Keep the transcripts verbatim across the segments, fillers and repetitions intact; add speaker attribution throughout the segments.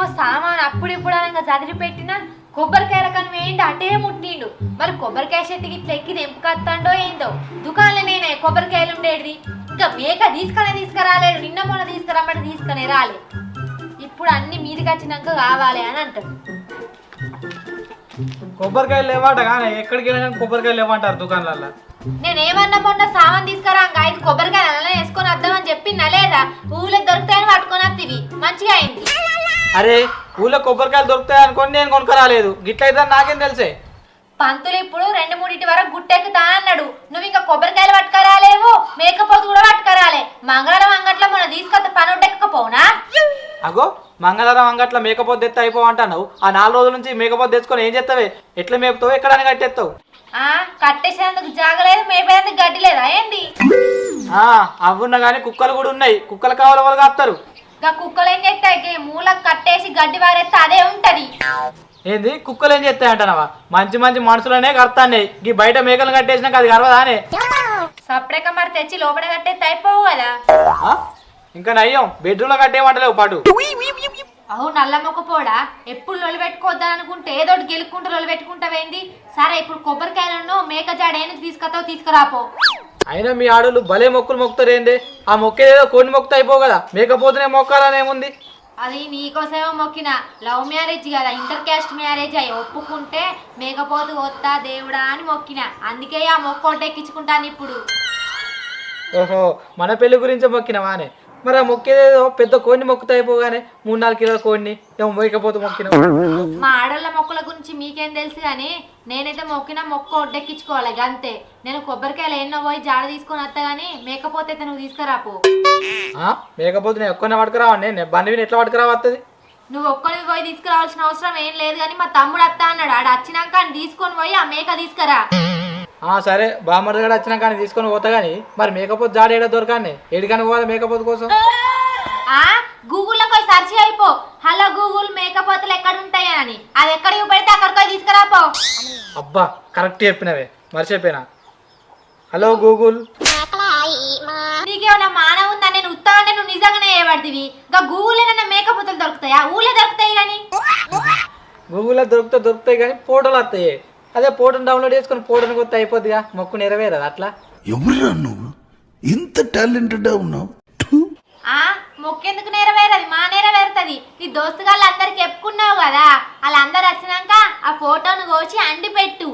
Speaker 1: సామాన్ అప్పుడు ఇప్పుడు అనగా చదివి పెట్టినా కొబ్బరికాయ రకం ఏంటి అటే ముట్టిండు. మరి కొబ్బరికాయ చెట్టుకి ఇట్లా ఎక్కి తెంపుకొస్తాడో ఏందో. దుకాణంలో నేనే కొబ్బరికాయలు ఉండేది. ఇంకా మేక తీసుకునే తీసుకురాలేడు. నిన్న మొన్న తీసుకురమ్మని తీసుకునే రాలే. ఇప్పుడు అన్ని మీదికి వచ్చినాక కావాలి అని అంటాడు.
Speaker 2: కొబ్బరికాయలు లేవాట కానీ ఎక్కడికి వెళ్ళినా కొబ్బరికాయలు లేవంటారు దుకాణాలలో.
Speaker 1: నేనేమన్నా మొన్న సామాన్ తీసుకురా ఐదు కొబ్బరికాయలు అలా వేసుకొని వద్దామని చెప్పినా లేదా? ఊళ్ళో దొరుకుతాయని పట్టుకొని వస్తేవి మంచిగా అయింది.
Speaker 2: అరే ఊళ్ళో కొబ్బరికాయలు దొరుకుతాయి అనుకోని నేను కొనుక్కరాలేదు. గిట్లయితే నాకేం తెలిసే.
Speaker 1: పంతులు ఇప్పుడు రెండు మూడింటి వరకు గుట్టెక్కుతా అన్నాడు. నువ్వు ఇంకా కొబ్బరికాయలు పట్టుకరాలేవు, మేకపోతు కూడా పట్టుకరాలే. మంగళవారం అంగట్లో మొన్న తీసుకొస్తే పని ఉండకపోవునా?
Speaker 2: అగో మంగళవారం అంగట్లో మేకపోతు తెత్త అయిపోవంటున్నావు. ఆ నాలుగు రోజుల నుంచి మేకపోతు తెచ్చుకొని ఏం చేస్తావే? ఎట్లా మేపుతావు? ఎక్కడైనా కట్టేస్తావు?
Speaker 1: ఆ కట్టేసేందుకు జాగలేదు, మేపేందుకు గడ్డి లేదా ఏంది?
Speaker 2: ఆ అవున్నా కానీ కుక్కలు కూడా ఉన్నాయి. కుక్కలు కావాలి వాళ్ళు కాస్తారు.
Speaker 1: ఇంకా కుక్కలు ఏం చేస్తాయి? మూలకు కట్టేసి గడ్డి వారేస్తే అదే ఉంటది.
Speaker 2: ఏంది కుక్కలు ఏం చేస్తాయి అంటానవా? మంచి మంచి మనుషులనే కడతాయి. ఈ బయట మేకలు కట్టేసినాక అది గర్వదానే.
Speaker 1: సపరేక మరి తెచ్చి లోపల కట్టేస్తే అయిపోవు కదా.
Speaker 2: ఇంకా నయ్యం బెడ్రూమ్ లో కట్టేయమంటలేవు పాటు.
Speaker 1: అవు నల్ల మొక్కపోడా ఎప్పుడు లొలి పెట్టుకోవద్దని అనుకుంటే ఏదోటి గెలుక్కుంటూ లొలి పెట్టుకుంటావేంది? సరే ఇప్పుడు కొబ్బరికాయలను మేక జాడేను తీసుకొస్తావు, తీసుకురాపో.
Speaker 2: అయినా మీ ఆడోళ్ళు భలే మొక్కులు మొక్కుతారు ఏంది? ఆ మొక్కేదేదో కొన్ని మొక్కుతా అయిపో కదా. మేకపోతేనే మొక్కాలని ఏముంది?
Speaker 1: అది నీకోసేమో మొక్కిన లవ్ మ్యారేజ్ కదా, ఇంటర్ క్యాస్ట్ మ్యారేజ్ అయ్యి ఒప్పుకుంటే మేకపోతు వస్తా దేవుడా అని మొక్కిన. అందుకే ఆ మొక్క ఎక్కించుకుంటాను ఇప్పుడు.
Speaker 2: ఓహో మన పెళ్లి గురించి మొక్కినవానే. మరి ఆ మొక్కేదేదో పెద్ద కోడిని మొక్కుతా అయిపోగానే మూడు నాలుగు కిలోల కోడిని ఏమో మొయ్యకపోతే మొక్కిన.
Speaker 1: మా ఆడోళ్ళ మొక్కల గురించి మీకేం తెలుసు కానీ నేనైతే మొక్కిన మొక్క ఒడ్డెక్కించుకోవాలి అంతే. నేను కొబ్బరికాయలు ఎన్నో పోయి జాడ తీసుకొని వస్తా గానీ మేకపోతే నువ్వు తీసుకురాపో.
Speaker 2: మేకపోతే నేను ఒక్కనే పట్టుకురావండి. నేను బండి ఎట్లా పట్టుకురావస్తుంది?
Speaker 1: నువ్వు ఒక్కడికి పోయి తీసుకురావాల్సిన అవసరం ఏం లేదు కానీ మా తమ్ముడు వస్తా అన్నాడు. ఆడ వచ్చినాక తీసుకొని పోయి ఆ మేక తీసుకురా.
Speaker 2: సరే బామ్మడి కూడా వచ్చినా కానీ తీసుకొని పోతా కానీ మరి మేకపోతే జాడ ఏడా దొరకానే? ఏడికని పోవాలి మేకపోతే కోసం?
Speaker 1: ఆ గూగుల్లో పోయి సెర్చ్ అయిపో. హలో గూగుల్ మేకపోతలు ఎక్కడ ఉంటాయి అని. అది ఎక్కడికి పెడితే అక్కడికి పోయి తీసుకురాపో.
Speaker 2: అబ్బా కరెక్ట్ చెప్పినవే, మర్చిపోయినా. Hello Google.
Speaker 1: నీకేమన్నా మానవ ఉందా? నేను ఉత్తానే నువ్వు నిజంగానే ఏపడుతుంది. ఇంకా గూగుల్ ఏమన్నా మేకపోతలు దొరుకుతాయా? ఊళ్ళో దొరుకుతాయి కానీ.
Speaker 2: గూగుల్లో దొరుకుతా దొరుకుతాయి కానీ ఫోటోలు వస్తాయి. అదే ఫోటోని డౌన్లోడ్ చేసుకుని ఫోటోని కొత్త అయిపోద్దిగా. మొక్కు నెరవేరదు అట్లా.
Speaker 3: ఎవరురా నువ్వు ఇంత టాలెంటెడ్ ఉన్నావు?
Speaker 1: ఆ మొక్కెందుకు నెరవేరది? మా నెరవేరుతుంది. నీ దోస్తుగాళ్ళు అందరికి చెప్పుకున్నావు కదా, వాళ్ళందరు వచ్చినాక ఆ ఫోటోను కోసి అండి పెట్టు.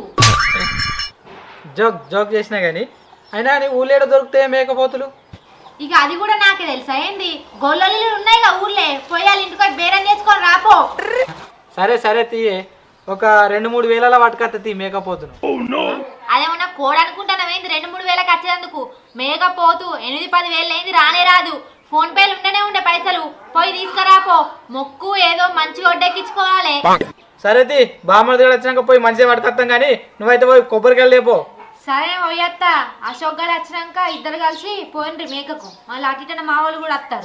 Speaker 2: జోక్ జోక్ చేసినా కానీ అయినా నీ ఊళ్ళేడ దొరుకుతాయి మేకపోతులు?
Speaker 1: ఇక అది కూడా నాకే తెలుసా ఏంది? గొల్లలు ఉన్నాయి కదా ఊళ్ళే, పోయాలి ఇంటికి బేరం చేసుకొని రాపో.
Speaker 2: సరే సరే తీయే, ఒక రెండు మూడు వేల పట్టుకత్త తీ మేకపోతును.
Speaker 1: అదేమన్నా కోడ్ అనుకుంటానవేంది రెండు మూడు వేలకు వచ్చేందుకు? మేకపోతు ఎనిమిది పది వేలు అయింది రానే రాదు. ఫోన్ పేలు ఉండనే ఉండే పైసలు, పోయి తీసుకురాపో. మొక్కు ఏదో మంచిగా ఒడ్డెక్కించుకోవాలి.
Speaker 2: సరే తీ బామ్మడి దగ్గర వచ్చినాక పోయి మంచిగా పట్టుకొస్తాం కానీ నువ్వైతే పోయి కొబ్బరికాయలు లేపో.
Speaker 1: సరే పోయత్తా. అశోక్ గారు వచ్చినాక ఇద్దరు కలిసి పోయిండ్రి మేకకు. మళ్ళీ అటు మా వాళ్ళు కూడా వస్తారు.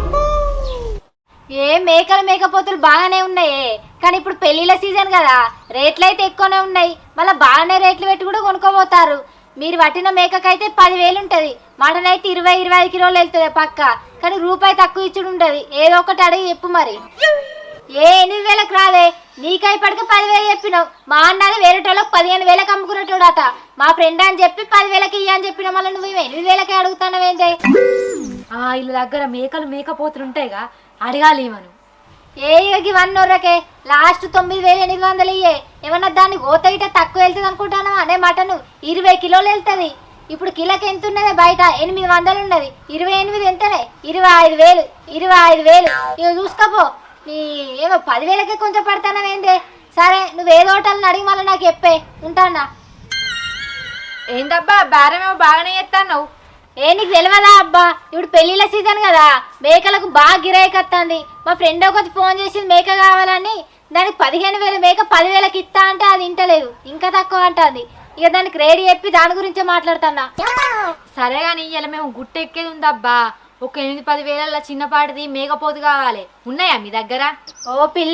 Speaker 1: ఏ మేకలు మేకపోతులు బాగానే ఉన్నాయే కానీ ఇప్పుడు పెళ్లిళ్ళ సీజన్ కదా, రేట్లు అయితే ఎక్కువనే ఉన్నాయి. మళ్ళీ బాగానే రేట్లు పెట్టి కూడా కొనుక్కోపోతారు. మీరు పట్టిన మేకకైతే పదివేలు ఉంటుంది, మటన్ అయితే ఇరవై ఇరవై ఐదు కిలోలు వెళ్తుంది పక్క. కానీ రూపాయి తక్కువ ఇచ్చుడు ఉంటుంది. ఏదో ఒకటి అడిగి చెప్పు మరి. ఏ ఎనిమిది వేలకు రాదే, నీకై పడికి పదివేలు చెప్పినావు. మా అన్నది వేరేటోళ్ళకి పదిహేను వేలకు అమ్ముకునేటోడట. మా ఫ్రెండ్ అని చెప్పి పదివేలకి ఇయ్య అని చెప్పిన మళ్ళీ నువ్వు ఎనిమిది వేలకే అడుగుతానవేందే? వీళ్ళ దగ్గర మేకలు మేకపోతులు ఉంటాయిగా, అడగాలి మనం. ఏ ఇవన్నీ ఒర్రకే, లాస్ట్ తొమ్మిది వేలు ఎనిమిది వందలు ఇయ్యే. ఏమన్నా దాన్ని గోత ఇట తక్కువ వెళ్తుంది అనుకుంటానా? అనే మటను ఇరవై కిలోలు వెళ్తుంది. ఇప్పుడు కిలోకి ఎంత ఉన్నది బయట? ఎనిమిది వందలు ఉన్నది. ఇరవై ఎనిమిది ఎంతనే? ఇరవై ఐదు వేలు ఇరవై ఐదు వేలు ఇక చూసుకోపో. నీ ఏమో పదివేలకే కొంచెం పడతానవేందే? సరే నువ్వు ఏదో హోటల్ని అడిగి మళ్ళీ నాకు చెప్పే. ఉంటానా? ఏందబ్బా బేరమేమో బాగానే చేస్తాను. ఏ నీకు తెలియదా అబ్బా, ఇప్పుడు పెళ్లిళ్ళ సీజన్ కదా, మేకలకు బాగా గిరాయికి వస్తుంది. మా ఫ్రెండ్ ఒకటి ఫోన్ చేసి మేక కావాలని, దానికి పదిహేను వేలు మేక పదివేలకి ఇస్తా అంటే అది ఇంటలేదు, ఇంకా తక్కువ అంటుంది. ఇక దానికి రేడి చెప్పి దాని గురించే మాట్లాడుతున్నా. సరే కానీ ఇలా మేము గుట్ట ఎక్కేది ఉందబ్బా. ఒక ఎనిమిది పది వేల చిన్నపాటిది మేకపోతు కావాలి. ఉన్నాయా మీ దగ్గర? ఓ పిల్ల,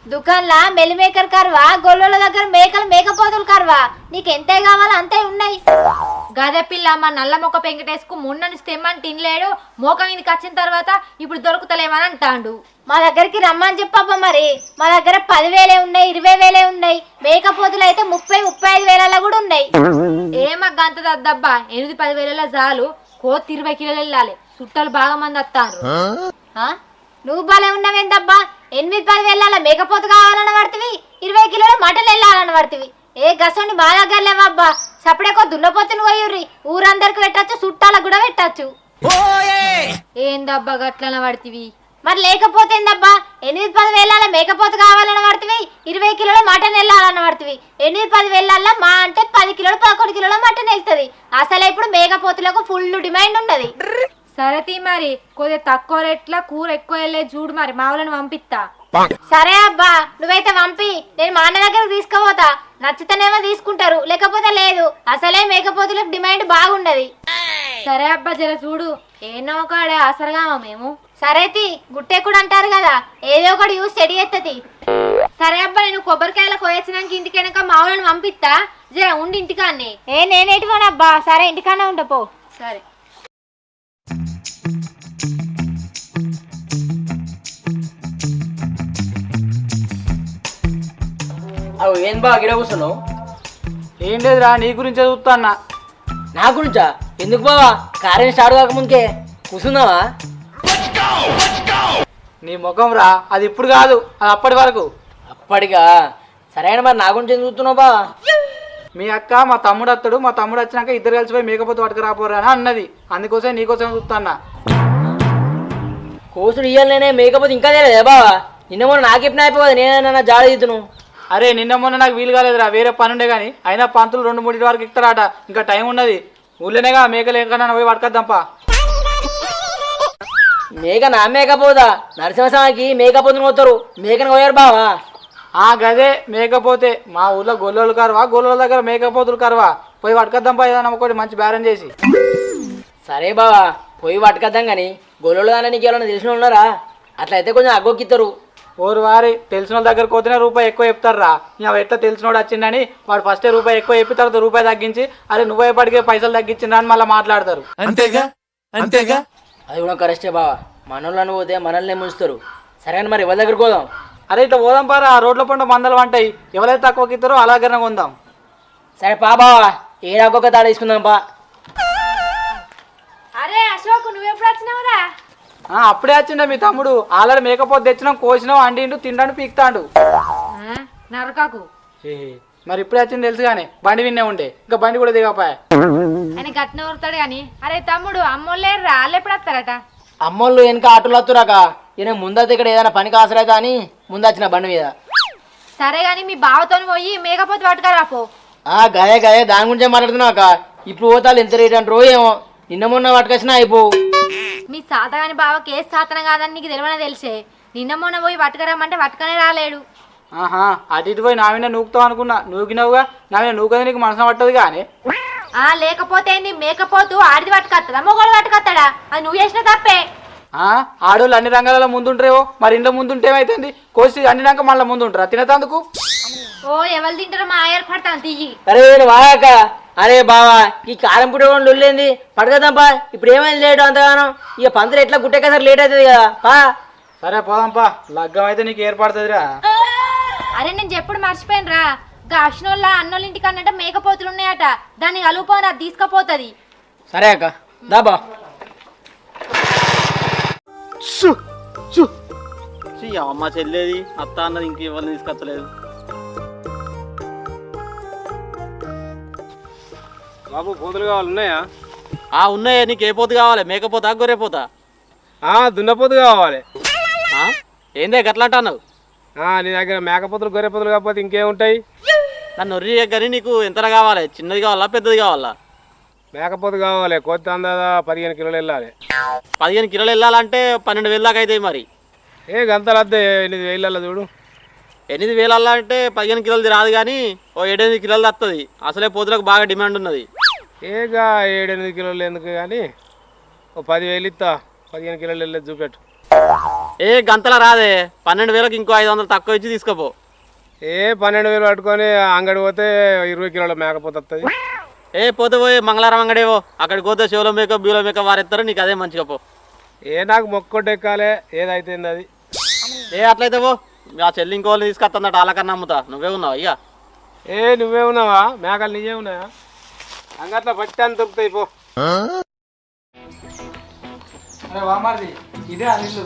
Speaker 1: దుకాన్లా మెలి మేకర్ కర్వా, గొల్లోల దగ్గర మేకలు మేకపోతులు కర్వా, నీకు ఎంతే కావాలో అంతే ఉన్నాయి.
Speaker 4: గదే పిల్ల మా నల్ల మొక్క పెంకటేసుకు మొన్న నుంచి తెమ్మని తినలేడు, మోక మీదకి వచ్చిన తర్వాత ఇప్పుడు దొరుకుతలేమని అంటాండు.
Speaker 1: మా దగ్గరికి రమ్మని చెప్పబ్బా మరి. మా దగ్గర పదివేలే ఉన్నాయి, ఇరవై వేలే ఉన్నాయి. మేకపోతులు అయితే ముప్పై ముప్పై ఐదు వేలలో కూడా ఉన్నాయి.
Speaker 4: ఏమా గంత దద్దబ్బా, ఎనిమిది పది వేలలో చాలు, కోతి ఇరవై కిలోలు వెళ్ళాలి, చుట్టాలు బాగా మంది వస్తారు.
Speaker 1: ఆ? నువ్వు బాలే ఉన్నావేందబ్బా, ఎనిమిది పది వేల మేకపోతు కావాలని పడుతుంది, ఇరవై కిలోల మటన్ వెళ్ళాలని పడుతుంది. ఏ గసండి మా దగ్గర లేవబ్బా, సపడేకో దున్నపోతుని పోయుర్రి, ఊరందరికి పెట్టచ్చు, చుట్టాలకు కూడా పెట్టచ్చు.
Speaker 4: ఏందబ్బా గట్లన పడుతుంది?
Speaker 1: మరి లేకపోతే ఏందబ్బా, ఎనిమిది పది వేల మేకపోతు కావాలని పడుతుంది, ఇరవై కిలోల మటన్ వెళ్ళాలని పడుతుంది. ఎనిమిది పది వేల మా అంటే పది కిలోలు పదకొండు కిలోల మటన్ వెళ్తుంది. అసలు ఇప్పుడు మేకపోతులకు ఫుల్ డిమాండ్ ఉన్నది.
Speaker 4: సరే తీ మరి, కొద్దిగా తక్కువ రేట్ల కూర ఎక్కువ వెళ్ళే చూడు మరి, మా వాళ్ళని పంపిస్తా.
Speaker 1: సరే అబ్బా, నువ్వైతే పంపి, నేను మా అన్న దగ్గరకు తీసుకుపోతా. నచ్చితేనేమో తీసుకుంటారు, లేకపోతే లేదు. అసలే మేకపోతులకు డిమాండ్ బాగుండదు.
Speaker 4: సరే అబ్బా జర చూడు, ఏనో కాడ అసలుగామా మేము.
Speaker 1: సరే తి, గుట్టే కూడా అంటారు కదా, ఏదో ఒకటి యూస్ చెడి ఎత్తది.
Speaker 4: సరే అబ్బా, నేను కొబ్బరికాయలు కోయచ్చినాక ఇంటికి వెనక మా వాళ్ళని పంపిస్తా, జర ఉండి ఇంటికాన్ని.
Speaker 1: ఏ నేనేటి పోనబ్బా, సరే ఇంటికన్నా ఉండపో.
Speaker 4: సరే.
Speaker 5: అవు ఏం బాగా గిడ కూర్చున్నావు?
Speaker 2: ఏం లేదురా, నీ గురించే చూస్తాన్నా.
Speaker 5: నా గురించా? ఎందుకు బావా, కార్యం స్టార్ట్ కాకముందుకే కూర్చున్నావా?
Speaker 2: నీ ముఖం రా, అది ఇప్పుడు కాదు, అది అప్పటి వరకు.
Speaker 5: అప్పటిగా? సరైన మరి నా గురించి ఏం చూస్తున్నావు బావా?
Speaker 2: మీ అక్క మా తమ్ముడు అత్తడు, మా తమ్ముడు వచ్చినాక ఇద్దరు కలిసిపోయి మేకపోతే పట్టుకు రాపోరా అని అన్నది. అందుకోసం నీకోసం చూస్తాన్నా.
Speaker 5: కోసుడు ఇయ్యాలనే మేకపోతే ఇంకా తెలియదే బావా? నిన్న మొన్న నాకెప్పుడు అయిపోదు, నేనన్నా జాడ తీద్దును.
Speaker 2: అరే నిన్న మొన్న నాకు వీలు కాలేదురా, వేరే పని ఉండే కానీ. అయినా పంతులు రెండు మూడు వరకు ఇస్తారట, ఇంకా టైం ఉన్నది. ఊళ్ళోనేగా మేకలు ఎక్కడన్నా పోయి పట్టుకొద్దాంపా.
Speaker 5: మేక నా మేకపోదా? నరసింహస్వామికి మేకపోతుని పోతారు, మేకను పోయారు బావా.
Speaker 2: ఆ గదే మేకపోతే. మా ఊళ్ళో గొల్లోలు కరవా, గొల్లోల దగ్గర మేకపోతులు కరవా, పోయి పట్టుకొద్దాంపా ఏదన్నా ఒకటి మంచి బేరం చేసి.
Speaker 5: సరే బావా, పోయి పట్టుకొద్దాం కానీ గొల్లల దాన్ని నీకు ఎవరైనా తెలిసిన ఉన్నారా? అట్లయితే కొంచెం అగ్గొక్కిస్తారు.
Speaker 2: ఓరు వారి తెలిసిన వాళ్ళ దగ్గరకు పోతేనే రూపాయి ఎక్కువ చెప్తారా. ఇక ఎట్లా తెలిసినోడు వచ్చిండని వాడు ఫస్టే రూపాయి ఎక్కువ చెప్పిన తర్వాత రూపాయి తగ్గించి, అరే నువ్వే పడికే పైసలు తగ్గించిండ్రా అని మళ్ళీ మాట్లాడతారు.
Speaker 3: అంతేగా అంతేగా
Speaker 5: అది కూడా కరెక్టే బావా, మనోళ్ళని పోతే మనల్ని ముంచుతారు. సరే అని మరి ఎవరి దగ్గరికి పోదాం?
Speaker 2: అరే ఇట్లా పోదాం పారా, ఆ రోడ్ల పంట మందలు వంటాయి, ఎవరైతే తక్కువకి ఇస్తారో అలాగనే కొందాం.
Speaker 5: సరే పా బావా, ఏడాకొక తాడ తీసుకుందాం పా.
Speaker 4: అరే అశోక్, నువ్వెప్పుడు వచ్చినావురా?
Speaker 2: అప్పుడే వచ్చిండే మీ తమ్ముడు. ఆల్రెడీ మేకపోతే తెచ్చినాం, కోసినాం, అండిండు, తిండాడు, పీక్తాడు.
Speaker 4: నరకాకు
Speaker 2: ఏ మరి ఇప్పుడే వచ్చింది తెలుసు కానీ బండి విన్నే ఉండే, ఇంకా బండి కూడా దిగపాయ.
Speaker 4: అని గట్టిన ఊరుతాడు కానీ. అరే తమ్ముడు, అమ్మోళ్ళేరు రా, వాళ్ళు ఎప్పుడు వస్తారట?
Speaker 5: అమ్మోళ్ళు వెనక ఆటోలు వస్తురాక, ఈయన ముందైతే ఇక్కడ ఏదైనా పనికి ఆసరైతా అని ముందు వచ్చిన బండి మీద.
Speaker 4: సరే గాని మీ బావతో పోయి మేకపోతే పట్టుకరాపో.
Speaker 5: ఆ గదే గదే దాని గురించే మాట్లాడుతున్నాక. ఇప్పుడు పోతాలు ఎంత రేట్ అంటారో ఏమో, నిన్న మొన్న పట్టుకొచ్చినా అయిపోవు.
Speaker 4: మీ సాతగాని బావకి ఏ సాతనం కాదని నీకు తెలియనే తెలిసే. నిన్న మొన్న పోయి పట్టుకరమ్మంటే పట్టుకనే రాలేడు.
Speaker 2: ఆహా, అటు ఇటు పోయి నా మీద నూకుతావు అనుకున్నా, నూకినావుగా. నా మీద నూకది నీకు మనసు పట్టదు కానీ.
Speaker 4: ఆ లేకపోతే ఏంది, మేకపోతూ ఆడిది పట్టుకొస్తాడా మొగోడు పట్టుకొస్తాడా? అది నువ్వు చేసిన తప్పే.
Speaker 2: ఆ ఆడోళ్ళు అన్ని రంగాలలో ముందుంటారేవో, మరి ఇంట్లో ముందుంటే ఏమైతుంది? కోసి అన్నినాక మళ్ళీ ముందుంటారా తినేతందుకు?
Speaker 4: ఓ ఎవరు తింటారో మా ఏర్పడతాను తీయి.
Speaker 5: అరే వాక, అరే బావా ఈ కారం పుట్టి లొల్లేంది, పట్టుకదాంపా. ఇప్పుడు ఏమైంది లేటు అంతగానో? ఇక పంతులు ఎట్లా గుట్టేసారి లేట్ అవుతుంది కదా పా.
Speaker 2: సరే పోదాంపా, లగ్గం అయితే నీకు ఏర్పడుతుందిరా.
Speaker 4: అరే నేను చెప్పుడు మర్చిపోయాను రా, గా అశ్నోళ్ళ అన్నోళ్ళ ఇంటికి అన్నట్టు మేకపోతులు ఉన్నాయట, దాన్ని కలుపుకొని అది తీసుకుపోతుంది.
Speaker 5: సరే అక్క దాబా.
Speaker 6: అమ్మ చెల్లేది అత్త అన్నది ఇంక ఎవరిని తీసుకొచ్చలేదు.
Speaker 7: బాబు పోతులు కావాలి ఉన్నాయా?
Speaker 6: ఆ ఉన్నాయా, నీకు ఏ పోతు కావాలి? మేకపోతా గొర్రెపోతా?
Speaker 7: దున్నపోతు కావాలి.
Speaker 6: ఏందే గట్లా అంటున్నావు?
Speaker 7: నీ దగ్గర మేకపోతులు గొర్రెపోతులు కాకపోతే ఇంకేముంటాయి?
Speaker 6: నన్ను ఒర్రి కానీ నీకు ఎంతలా కావాలి? చిన్నది కావాలా పెద్దది కావాలా?
Speaker 7: మేకపోతు కావాలి, కొత్త అందాదా పదిహేను కిలోలు వెళ్ళాలి.
Speaker 6: పదిహేను కిలోలు వెళ్ళాలంటే పన్నెండు వేలు దాకా అవుతాయి. మరి
Speaker 7: ఏ గంతలు వద్ద ఎనిమిది వేలల్లో చూడు.
Speaker 6: ఎనిమిది వేలు అంటే పదిహేను కిలోలది రాదు కానీ ఓ ఏడెనిమిది కిలోలు వస్తుంది. అసలే పోతులకు బాగా డిమాండ్ ఉన్నది.
Speaker 7: ఏగా ఏడెనిమిది కిలోలు ఎందుకు కానీ ఓ పదివేలు ఇస్తా, పదిహేను కిలోలు వెళ్ళేది చూపెట్టు.
Speaker 6: ఏ గంతల రాదే పన్నెండు వేలకు ఇంకో ఐదు వందలు తక్కువ ఇచ్చి తీసుకోపో.
Speaker 7: ఏ పన్నెండు వేలు పట్టుకొని అంగడి పోతే ఇరవై కిలోల మేకపోతే వస్తుంది.
Speaker 6: ఏ పోతే పోయి మంగళవారం అంగడేవో అక్కడికి పోతే షోలో మేకప్ బ్యూలో మేకప్ వారెత్తారు, నీకు అదే మంచిగా పో.
Speaker 7: ఏ నాకు మొక్కొట్టు ఎక్కాలి ఏదైతే అది.
Speaker 6: ఏ అట్లయితే పో, ఆ చెల్లి ఇంకోళ్ళని తీసుకొస్తుందట వాళ్ళకన్నా అమ్ముతా. నువ్వే ఉన్నావు అయ్యా.
Speaker 7: ఏ నువ్వే ఉన్నావా? మేకలు నీవే ఉన్నాయా? అంగట్లో పట్టి అని దొరుకుతాయి పో.
Speaker 2: అరే వామార్ది ఇదే ఆ ఇల్లు.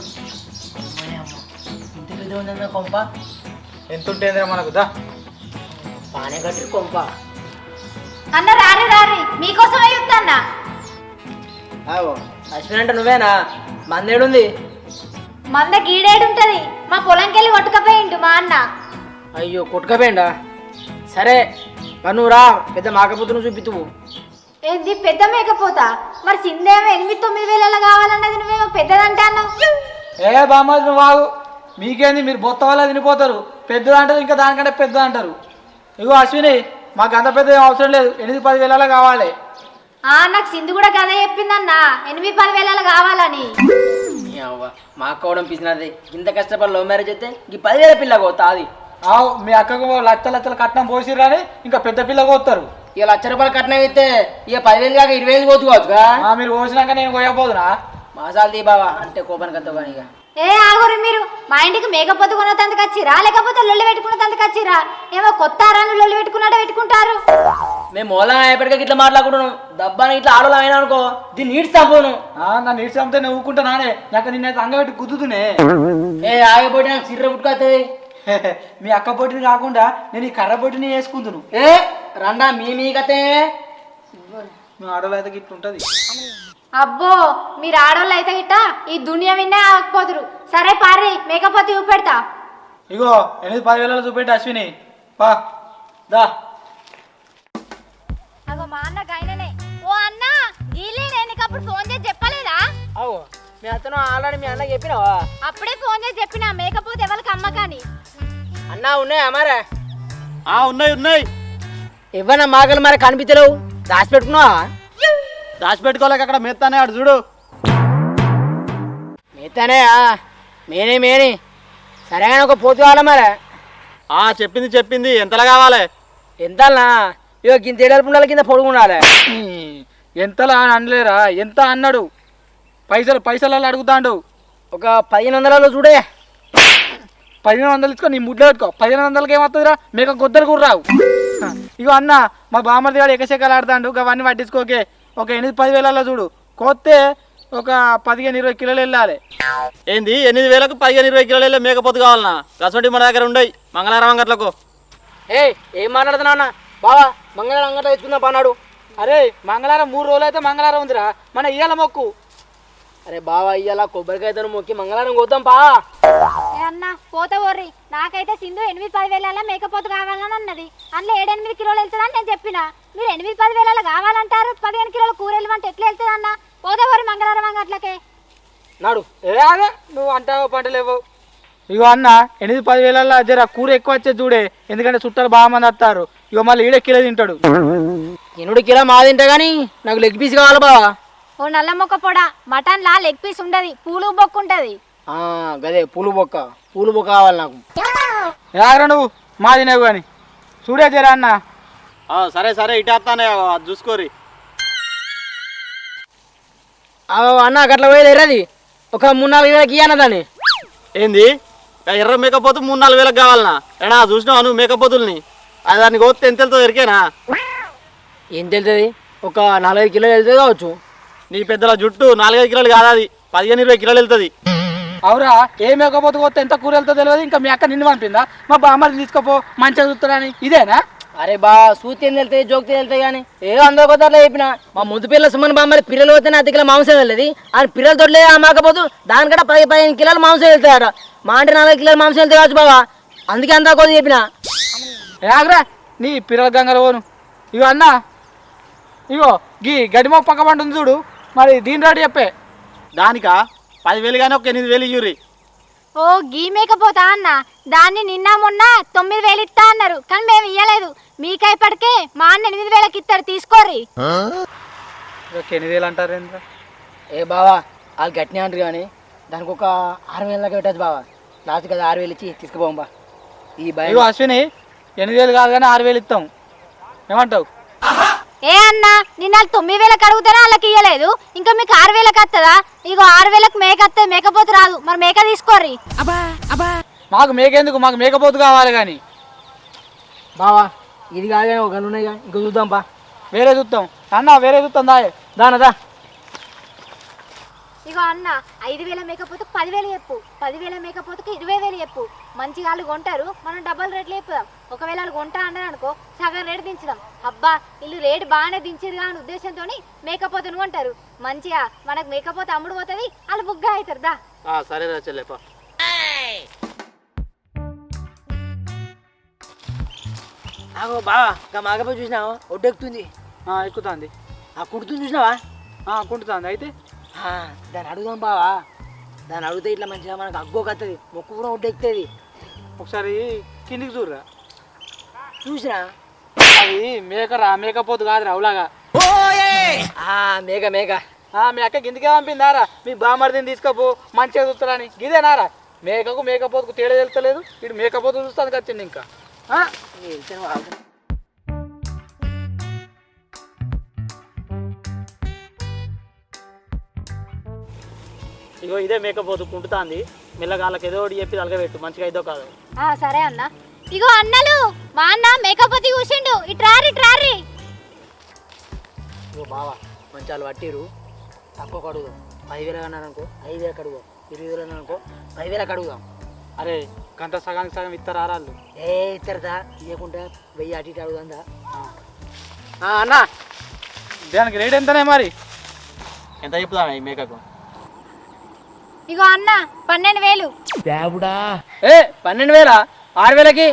Speaker 5: ఇంత పెద్ద ఉందన్న కొంప,
Speaker 2: ఎంత ఉంటేందిరా మనకు దా.
Speaker 5: పానే కట్టి కొంప.
Speaker 1: అన్న రారి రారి మీకోసమే చెప్తాన్నా.
Speaker 5: ఆవో అశ్విన్ అంటే నువ్వేనా? మందేడుంది?
Speaker 1: మంద గీడేడుంటది, మా పొలంకి వెళ్ళి కొట్టుకపోయిండు మా అన్న.
Speaker 5: అయ్యో కొట్టుకపోయిండా? సరే నువ్వు రా, పెద్ద మాకపోతును చూపితువు.
Speaker 1: ఏంది పెద్ద మేకపోతా? మరి సిందేమో ఎనిమిది తొమ్మిది వేలలో కావాలన్నది, నువ్వేమో పెద్దదంటే అన్నావు.
Speaker 2: ఏ బామ్మాది నువ్వు వాగు, మీకేంది మీరు బొత్త వల్ల తినిపోతారు. పెద్దది అంటారు, ఇంకా దానికంటే పెద్ద అంటారు. ఇగో అశ్విని, మాకు అంత పెద్ద ఏం అవసరం లేదు, ఎనిమిది పది వేలలో కావాలి.
Speaker 1: ఆ నాకు సింధు కూడా కథ చెప్పిందన్న, ఎనిమిది పది వేలలో కావాలని.
Speaker 5: మా అక్క కూడా పిసినది, ఇంత కష్టపడి లవ్ మ్యారేజ్ అయితే ఈ పదివేల పిల్ల పోతా అది.
Speaker 2: ఆవు మీ అక్కకు లక్ష లక్షల కట్నం పోసిర్రని ఇంకా పెద్ద పిల్ల పోతారు.
Speaker 5: ఇక లక్ష రూపాయలు కట్నం అయితే ఇక పదివేలు కాక ఇరవై వేలు పోతుకోవచ్చుగా.
Speaker 2: మీరు పోసినాక నేను పోయకపోదునా?
Speaker 5: మాసాలు తీ బావా, అంటే కోపానికి వస్తావు కానీ. ఇక
Speaker 1: ఏ ఆగురు మీరు, మా ఇంటికి మేకపోతు కొన్నతందుకు వచ్చిరా లేకపోతే లొల్లి పెట్టుకున్నతందుకు వచ్చిరా? ఏమో కొత్త అరాన్ని లొల్లి పెట్టుకున్నాడో పెట్టుకుంటారు.
Speaker 5: మేము మూలం ఎప్పటికీ ఇట్లా మాట్లాడుకుంటున్నాం, దబ్బానికి ఇట్లా ఆడలో అయినా అనుకో దీన్ని నీటి సంపోను.
Speaker 2: నన్ను నీటి చంపితే నువ్వు ఊరుకుంటా నానే, నాకు నిన్నైతే అంగబెట్టి గుద్దుతునే.
Speaker 5: ఏ ఆగిపోయి నాకు సిర్ర పుట్టుకొస్తుంది.
Speaker 2: మీ అక్క పొట్టిని కాకుండా నేను ఈ కర్ర పొట్టిని వేసుకుంటును.
Speaker 5: ఏ రండా మీ మీ కతే
Speaker 2: మీ ఆడలో అయితే గిట్ల ఉంటుంది.
Speaker 1: అబ్బో మీరు ఆడవాళ్ళు అయితే గిట్ట ఈ దునియా విన్నే ఆగపోతురు. సరే పారి మేకపోతే చూపెడతా.
Speaker 2: ఇగో ఎనిమిది పది వేలలో చూపెట్టి అశ్విని పా దా.
Speaker 1: అగో మా అన్న గైననే. ఓ అన్న గీలే, నేను నీకు అప్పుడు ఫోన్ చేసి చెప్పలేదా?
Speaker 5: అవు మీ అతను ఆల్రెడీ మీ అన్నకి చెప్పినావా?
Speaker 1: అప్పుడే ఫోన్ చేసి చెప్పినా మేకపోతే ఎవరికి అమ్మకాని.
Speaker 5: అన్నా ఉన్నాయా మరే?
Speaker 6: ఆ ఉన్నాయి ఉన్నాయి.
Speaker 5: ఇవ్వనా మాకలు మరి కనిపించలేవు, దాచి పెట్టుకున్నావా?
Speaker 6: దాచిపెట్టుకోలేక అక్కడ మెత్తానే ఆడు చూడు.
Speaker 5: మిగతానే మేనే మేని సరేగానే ఒక పోతు కావాలా మరి?
Speaker 6: ఆ చెప్పింది చెప్పింది ఎంతలా కావాలి?
Speaker 5: ఎంతనా? ఇక కింద ఏడాది కింద పొడుగుండాలి.
Speaker 2: ఎంతలా అని అనలేరా, ఎంత అన్నాడు? పైసలు పైసలలో అడుగుతాడు.
Speaker 5: ఒక పదిహేను వందలలో చూడే.
Speaker 2: పదిహేను వందలు ఇచ్చుకో, నీ ముడ్లో పెట్టుకో. పదిహేను వందలకి ఏమవుతుందిరా, మీకు గొద్దరు కూడా రావు. ఇగో అన్న మా బామ్మర్ది గారు ఎకశకాలు ఆడతాడు, అవన్నీ పట్టించుకోకే. ఒక ఎనిమిది పది వేలలో చూడు, కోస్తే ఒక పదిహేను ఇరవై కిలోలు వెళ్ళాలి.
Speaker 6: ఏంది ఎనిమిది వేలకు పదిహేను ఇరవై కిలోలు వెళ్ళే మేకపోతు కావాలన్నా? గసంటి మన దగ్గర ఉండయి మంగళవారం అంగట్లకు.
Speaker 5: ఏ ఏం మాట్లాడుతున్నావు అన్న? బావా మంగళవారం అంగట్లో తెచ్చుకుందాం పన్నాడు.
Speaker 2: అరే మంగళవారం మూడు రోజులు అయితే మంగళవారం ఉందిరా, మన ఇయ్యాల మొక్కు.
Speaker 5: అరే బావా ఇయ్యాల కొబ్బరికాయతో మొక్కి మంగళవారం కోద్దాం పా.
Speaker 1: ఏ అన్న పోతే ఓర్రి, నాకైతే సింధు ఎనిమిది పది వేల మేకపోతు కావాలని అన్నది. అందులో ఏడెనిమిది కిలోలు వెళ్తుందని నేను చెప్పిన. మీరు ఎనిమిది పది వేల కావాలంటారు, పదిహేను కిలోల కూర వెళ్ళమంటే ఎట్లా వెళ్తుంది అన్న? పోతే ఓరి మంగళవారం అంగట్లకే
Speaker 5: నాడు.
Speaker 2: ఏ అదే నువ్వు అంటావు పంటలేవు. ఇగో అన్న ఎనిమిది పది వేలలో జర కూర ఎక్కువ వచ్చేది చూడే, ఎందుకంటే చుట్టాలు బాగా మంది వస్తారు. ఇగో మళ్ళీ ఈడే కిలో తింటాడు.
Speaker 5: ఎనుడు కిలో మా తింటా కానీ నాకు లెగ్ పీస్ కావాలి బావా.
Speaker 1: ఓ నల్ల మొక్క పొడ మటన్ లా లెగ్ పీస్ ఉండదు, పూలు బొక్కు ఉంటది.
Speaker 5: గదే పూలు బొక్క, పూలు బొక్క కావాలి నాకు.
Speaker 2: రాగరా నువ్వు మా తినేవు కానీ చూడే జరా అన్న.
Speaker 6: సరే సరే ఇటేస్తానే చూసుకోరి.
Speaker 5: అన్న అట్లా పోయేది ఎర్రది ఒక మూడు నాలుగు వేలకి ఇయ్యన్న దాన్ని.
Speaker 6: ఏంది ఎర్ర మేకపోతు మూడు నాలుగు వేలకు కావాలనా? ఏనా చూసినావా నువ్వు మేకపోతుల్ని? అది దానికి కోస్తే ఎంత వెళ్తుందో ఎరికేనా?
Speaker 5: ఏం తెలుస్తుంది? ఒక నాలుగైదు కిలోలు వెళ్తుంది కావచ్చు.
Speaker 6: నీ పెద్దల జుట్టు నాలుగైదు కిలోలు కాదు, అది పదిహేను ఇరవై కిలోలు వెళ్తుంది.
Speaker 2: అవురా ఏ మేకపోతే కొత్త ఎంత కూర వెళ్తుందో తెలియదు. ఇంకా మీ అక్క నిన్ను పంపిందా మా బామ్మని తీసుకోపో మంచిగా చూస్తారని? ఇదేనా?
Speaker 5: అరే బా సూతి ఏం వెళ్తాయి, జోక్తి వెళ్తాయి కానీ ఏదో అందరూ కొత్త అట్లా చెప్పిన. మా ముద్దు పిల్లల సుమన్ బామ్మరి పిల్లలు పోతేనే అతి కిలో మాంసం వెళ్ళదు, అని పిల్లలు తొడలేదు ఆ మాకపోతు దానికంటే పది పదిహేను కిలోలు మాంసం వెళ్తాయట. మా అంటే నలభై కిలోలు మాంసం వెళ్తాయి కావచ్చు బాబా, అందుకే అంతా కొద్ది చెప్పిన.
Speaker 2: ఆగరా నీ పిల్లల గంగలు పోను. ఇగో అన్న ఇగో గీ గడిమో పక్క పంట ఉంది చూడు, మరి దీని రాడు చెప్పే.
Speaker 6: దానికా పదివేలు కానీ ఒక ఎనిమిది వేలు ఇయ్యూరి.
Speaker 1: ఓ గీ మేకపోతా అన్న, దాన్ని నిన్న మొన్న తొమ్మిది వేలు ఇస్తా అన్నారు, కానీ మేము ఇయ్యలేదు. మీకైపటికే మా అన్న ఎనిమిది వేలకి ఇస్తారు, తీసుకోర్రి.
Speaker 2: ఎనిమిది వేలు అంటారు.
Speaker 5: ఏ బావా వాళ్ళు గట్టినే అంటారు కానీ దానికి ఒక ఆరు వేల దాకా పెట్టచ్చు బావా. లాస్ట్ కదా ఆరు వేలు ఇచ్చి తీసుకుపోం బా. ఈ భయం
Speaker 2: ఇగో అశ్విని ఎనిమిది వేలు కాదు కానీ ఆరు వేలు ఇస్తాం, ఏమంటావు?
Speaker 1: ఏ అన్నా నిన్న తొమ్మిది వేలకు అడుగుతారా వాళ్ళకి ఇయ్యలేదు, ఇంకా మీకు ఆరు వేలకు వస్తుందా? ఇగో ఆరు వేలకు మేక వస్తుంది, మేకపోతే రాదు. మరి మేక తీసుకోర్రి.
Speaker 2: మాకు మేకెందుకు, మాకు మేకపోతు కావాలి కానీ.
Speaker 5: బావా ఇది కాదు కానీ ఒక గన్ను ఉన్నాయి కానీ ఇంకో చూద్దాం బా.
Speaker 2: వేరే చూస్తాం అన్న, వేరే చూస్తాం దాయే
Speaker 5: దానదా.
Speaker 1: ఇగో అన్న ఐదు వేల మేకపోతుకు పదివేలు చెప్పు, పదివేల మేకపోతుకు ఇరవై వేలు చెప్పు. మంచిగా వాళ్ళు కొంటారు, మనం డబల్ రేట్లు చెప్పుదాం. ఒకవేళ వాళ్ళు కొంటా అన్నారు అనుకో సగం రేటు దించుదాం. అబ్బా వీళ్ళు రేటు బాగానే దించారు కానీ ఉద్దేశంతో మేకపోతును కొంటారు. మంచిగా మనకు మేకపోతే అమ్ముడు పోతుంది, వాళ్ళు బుగ్గా అవుతారు. దా
Speaker 6: సరే రా చెల్లెపా.
Speaker 5: ఆగో బావా ఇంకా మాకపోయి చూసినావా ఒడ్డెక్కుతుంది,
Speaker 2: ఎక్కుతుంది,
Speaker 5: ఆ కుడుతుంది చూసినావా?
Speaker 2: కుంటుతుంది. అయితే
Speaker 5: ఆ, దాన్ని అడుగుదాం బావా. దాన్ని అడిగితే ఇట్లా మంచిగా మనకు అగ్గోకత్తది, మొక్కు కూడా ఒడ్డెక్కుతుంది.
Speaker 2: ఒకసారి కిందికి చూడరా,
Speaker 5: చూసినా
Speaker 2: అది మేకరా మేకపోతు కాదురా అవులాగా.
Speaker 5: మేక మేక
Speaker 2: మీ అక్క కిందికే పంపిందారా, మీ బామర్దిని తీసుకపో మంచిగా చూస్తారని. గిదేనారా మేకకు మేకపోతుకు తేడా తెలుస్తలేదు, ఇటు మేకపోతు చూస్తానికి వచ్చింది. ఇంకా ఇగో ఇదే మేకపోతు కుంటుతాంది. మెల్లగాళ్ళకి ఏదో ఒకటి చెప్పి తలగబెట్టు, మంచిగా ఇదో కాదు.
Speaker 1: సరే అన్న. ఇగో అన్నలు మా అన్న మేకపోతే కూర్చుండు, ఇట్రారి ఇట్రారి.
Speaker 5: ఇగో బావా మంచి వాళ్ళు పట్టిరు, తక్కువ కడుగుదాం. పదివేలు అన్నారు అనుకో ఐదు వేలకు అడుగుదాం, ఇరవై వేలు అన్నారు అనుకో పదివేలకు అడుగుదాం.
Speaker 2: అరే గంట సగానికి సగం ఇస్తారు ఆరాళ్ళు.
Speaker 5: ఏ ఇస్తారదా ఇవ్వకుండా వెయ్యి అటు ఇటు అడుగుదా.
Speaker 2: అన్న దానికి రేట్ ఎంతనే మరి?
Speaker 6: ఎంత చెప్తా ఈ మేకకు?
Speaker 1: ఇగో అన్న పన్నెండు వేలు.
Speaker 5: ఏ పన్నెండు వేలా? ఆరు వేలకి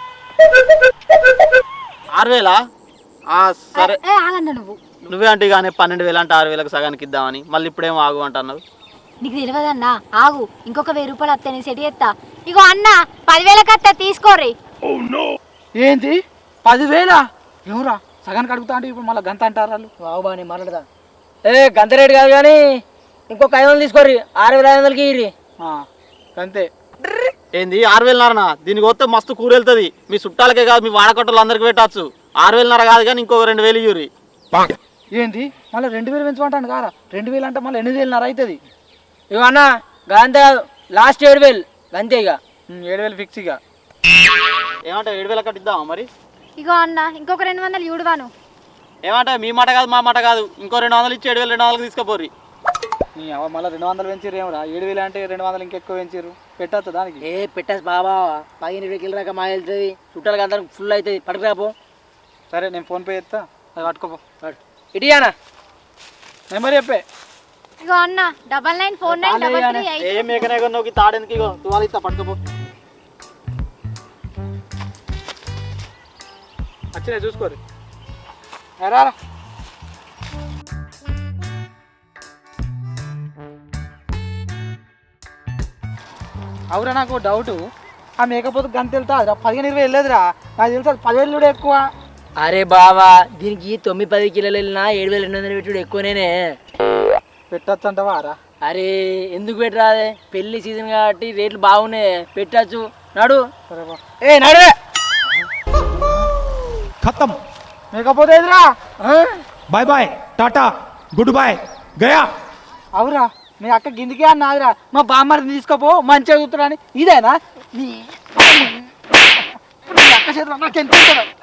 Speaker 6: ఆరు వేలా? సరే
Speaker 1: ఏ ఆగన్న నువ్వు,
Speaker 6: నువ్వే అంటే కానీ పన్నెండు వేలు అంటే ఆరు వేలకు సగానికి ఇద్దామని, మళ్ళీ ఇప్పుడేమో ఆగు అంటున్నావు.
Speaker 1: నీకు తెలియదన్నా, ఆగు ఇంకొక వెయ్యి రూపాయలు వస్తాయి, నేను సెట్ చేస్తా. ఇగో అన్న పదివేలకు వస్తా, తీసుకోర్రి.
Speaker 2: ఏంటి పదివేలా? ఎవరా సగానికి అడుగుతా అంటే ఇప్పుడు మళ్ళీ గంత అంటారు వాళ్ళు.
Speaker 5: బాబు బాగా నేను మాట్లాడదా. ఏ గంత రేటు కాదు కానీ ఇంకొక ఐదు వందలు తీసుకోర్రి, ఆరు వేల ఐదు వందలకి ఇర్రి
Speaker 2: అంతే.
Speaker 6: ఏంది ఆరు వేలున్నరనా? దీనికి వస్తే మస్తు కూర వెళ్తుంది, మీ చుట్టాలకే కాదు మీ వాడకట్టలు అందరికి పెట్టచ్చు. ఆరు వేలున్నర కాదు కానీ ఇంకొక రెండు వేలు ఇయ్యూరి.
Speaker 2: ఏంటి మళ్ళీ రెండు వేలు పెంచమంటాను కారా? రెండు వేలు అంటే మళ్ళీ ఎనిమిది వేలున్నర అవుతుంది.
Speaker 5: ఇక అన్న గంతే కాదు, లాస్ట్ ఏడు వేలు అంతే. ఇక
Speaker 2: ఏడు వేలు ఫిక్స్. ఇక
Speaker 6: ఏమంటావు, ఏడు వేల కట్టి ఇద్దామా మరి?
Speaker 1: ఇగో అన్న ఇంకొక రెండు వందలు ఇవ్వడువాను.
Speaker 6: ఏమంటా మీ మాట కాదు మా మాట కాదు, ఇంకో రెండు వందలు ఇచ్చి ఏడు వేలు రెండు వందలకు తీసుకుపోర్రి.
Speaker 2: మళ్ళీ రెండు వందలు పెంచిర్రు ఏమరా? ఏడు వేలు అంటే రెండు వందలు ఇంకెక్కువ పెంచిర్రు, పెట్టచ్చు దానికి.
Speaker 5: ఏ పెట్టేసి బాబా పదిహేను ఇరవై కిలో రాక మా వెళ్తుంది, చుట్టాలకి అందరికి ఫుల్ అవుతుంది, పట్టుకురాపో.
Speaker 2: సరే నేను ఫోన్పే చేస్తా, అది పట్టుకోపో.
Speaker 5: ఇటీయానా
Speaker 2: నెంబర్ చెప్పే.
Speaker 1: ఇగో అన్న double nine four nine double three
Speaker 6: ఏ
Speaker 1: ఎయిట్.
Speaker 6: మేకనే కొన్నావు తాడెందుకు? ఇగో తువాలు ఇస్తా పట్టుకోపో.
Speaker 2: వచ్చినా చూసుకోరు రా. అవురా నాకు డౌట్, ఆ మేకపోతే గంత వెళ్తా పదిహేను ఇరవై వెళ్ళలేదురా, నాకు తెలుసు పదివేలు కూడా ఎక్కువ.
Speaker 5: అరే బావా దీనికి తొమ్మిది పది కిలోలు వెళ్ళినా ఏడు వేల రెండు వందలు పెట్టుడు ఎక్కువనేనే.
Speaker 2: పెట్టచ్చు అంటావా రా?
Speaker 5: అరే ఎందుకు పెట్టరాదే, పెళ్లి సీజన్ కాబట్టి రేట్లు బాగున్నాయి, పెట్టచ్చు. నడు
Speaker 2: ఏ నడువే ఖతం. మేకపోతే ఎదురా
Speaker 3: bye bye tata good bye गया.
Speaker 2: అవురా మీ అక్క గిందికే అన్నాదిరా, మా బామ్మని తీసుకోపో మంచిగా చూస్తున్నా అని. ఇదేనా నీ అక్క చేతులు నాకు ఎంత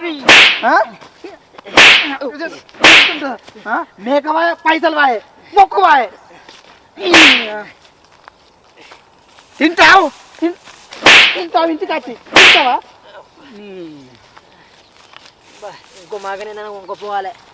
Speaker 2: మేక వాయ పైసలు వాయ మొక్కు వాయ తింటావు తింటావు ఇంటికి వచ్చి తింటావా?
Speaker 5: ఇంకో మాకనే ఇంకో పోవాలి.